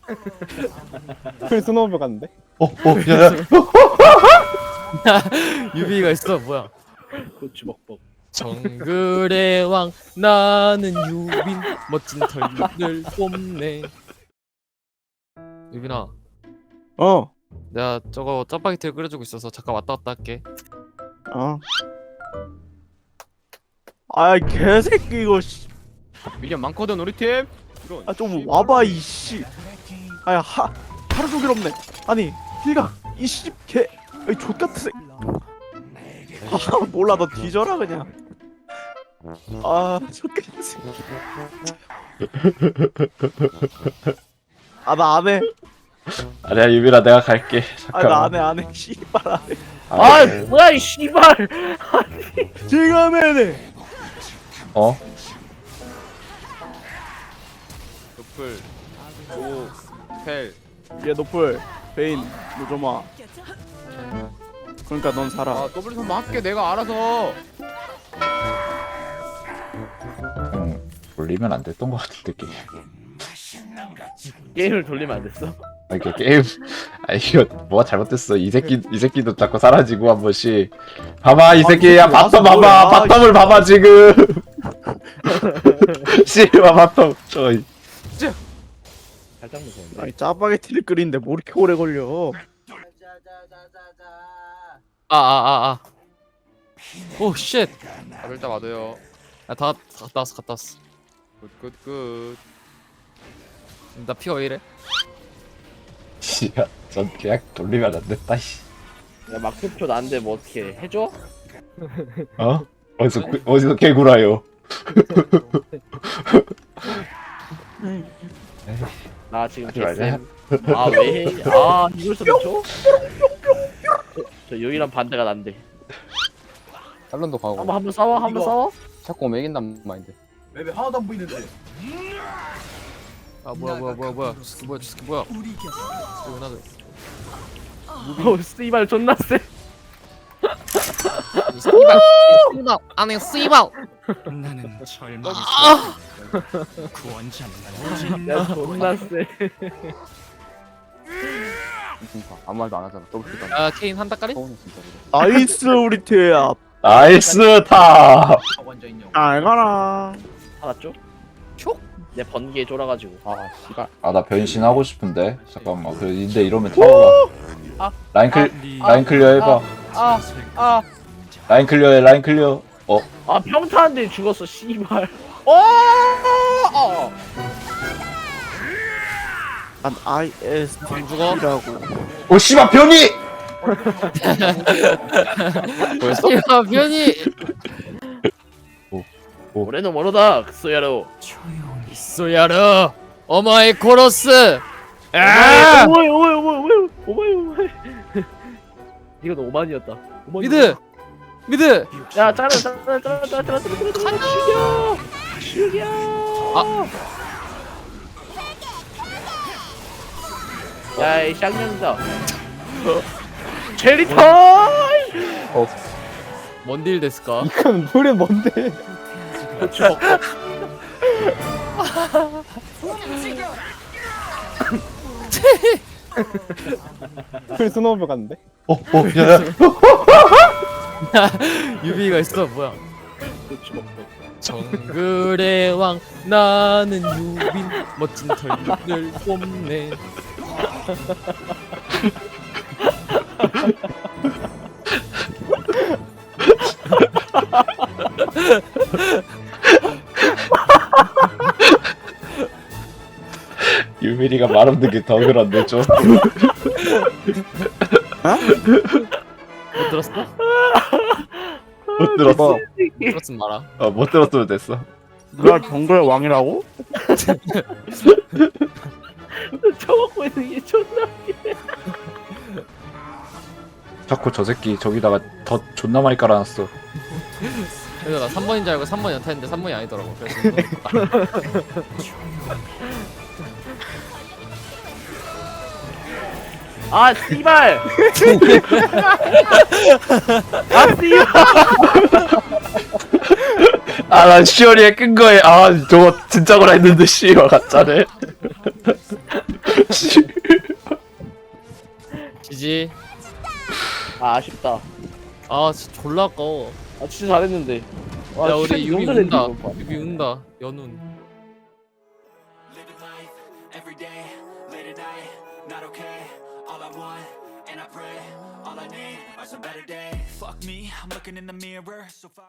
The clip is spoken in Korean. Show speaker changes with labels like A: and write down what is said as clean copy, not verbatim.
A: 풀 스노우볼 갔는데?
B: 야야.
C: 유비가 있어 뭐야?
D: 고추 먹먹.
C: 정글의 왕 나는 유빈 멋진 털들 뽐내. 유빈아,
A: 어.
C: 내가 저거 짜파게티를 끓여주고 있어서 잠깐 왔다 갔다 할게.
A: 어. 아 개새끼 이거 씨.
D: 미련 많거든 우리 팀.
A: 아 좀 와봐 이씨. 아야 하루 종일 없네. 아니 힐가 이씨 개. 이 족같은 새. 아 몰라 너 뒤져라 그냥. 아 족같은 새. 아나 안 해.
B: 아니야 유빈아 내가 갈게.
A: 아 나 안 해. 씨발 안 해.
D: 아 뭐야 이 씨발.
A: 지금 해네.
B: 어?
D: 노플 오펠.
A: 얘 노플 베인 노조마. 그러니까 넌 살아.
D: 아 더블 선만 할게 내가 알아서.
B: 돌리면 안 됐던 것 같은데 게임.
D: 게임을 돌리면 안 됐어?
B: 아 이게 게임. 아 이거 뭐가 잘못됐어. 이 새끼도 자꾸 사라지고 한 번씩. 봐봐 이 새끼야 바텀 봐봐. 바텀을 봐봐 지금. 씨발 바텀 저기.
D: 살짝 무서운데.
A: 아니 짜파게티를 끓이는데 뭐 이렇게 오래 걸려?
C: 오 쉣.
D: 다들 다 맞아요.
C: 다 갔다 왔어.
D: 굿.
C: 나 피 왜 이래?
B: 씨야 전 그냥 돌리면 안 됐다 씨.
D: 야 막표표 나한테 뭐 어떻게 해줘?
B: 어? 어디서 개구라요?
D: 나 지금
B: 하지 말자.
D: 개쌤. 아 왜 해? 아 이걸 써줘? 저 유일한 반대가 난데.
E: 탈론도 가고
D: 한번 싸워.
E: 자꾸 오면 이긴단 마인드.
F: 맵에 하나도 안 보이는데.
C: 아 뭐야 스키 뭐야? 스키 나도.
D: 오 씨발 존나 세.
C: 씨발 안에 씨발.
F: 나는 절망. 구원자는
D: 야 존나 세.
E: 진짜 아무 말도 안 하잖아. 더블 킬도 안 해.
C: 아 케인 한다 까리?
E: 서운해 진짜 그거.
A: 나이스 우리 팀야.
B: 나이스 타.
F: 원자인 영.
A: 잘 가라.
D: 알았죠? 내 번개에 쫄아가지고.
E: 아 씨발.
B: 아 나 변신하고 싶은데 잠깐만. 근데 이러면 타워가.
D: 아,
B: 라인 클리어 해봐.
D: 아.
B: 라인 클리어해 라인 클리어.
D: 아 평타한테 죽었어 씨발.
A: 난 ISTP라고.
B: 오 씨발 변이.
C: 뭐였어? 야 변이.
D: 올해는 모르다 소야로.
C: 소야르 어마이 코러스. 아!
D: 오마이. 이거 너 오만이었다.
C: 미드.
D: 야 잘라. 죽여. 야이 쌍년이다. 체리 타임.
C: 뭔딜 데스까?
A: 이건 노래 뭔데? 풀 스노우볼 갔는데?
B: 야야.
C: 유비가 있어 뭐야?
D: 고추 먹먹.
C: 정글의 왕 나는 유빈 멋진 털들 뽐내.
B: 유민이가 말 없는 게 더 그런데 좀.
C: 못 들었어?
B: 못 들었어.
C: 들었으면 말아.
B: 못 들었으면 됐어.
A: 누가 정글의 왕이라고?
D: 쳐먹고 있는 게 존나.
B: 자꾸 저 새끼 저기다가 더 존나 많이 깔아놨어.
C: 그래서 나 3번인 줄 알고 3번 연타했는데 3번이 아니더라고. 그래서
D: 아 씨발. 아 씨발.
B: 난 시어리에 끈 거에 저거 진짜구나 했는데 씨발 가짜네.
C: 지지.
D: 아 아쉽다.
C: 아 진짜 졸라 아까워.
D: 아 진짜 잘했는데. 와,
C: 야
D: 진짜
C: 우리 유미
D: 너무 잘했네,
C: 운다.
D: 이번 판.
C: 유미 운다. 연운.
G: Living life every day, late at night, not okay. All I want, and I pray, all I need are some better days. Fuck me, I'm looking in the mirror, so far.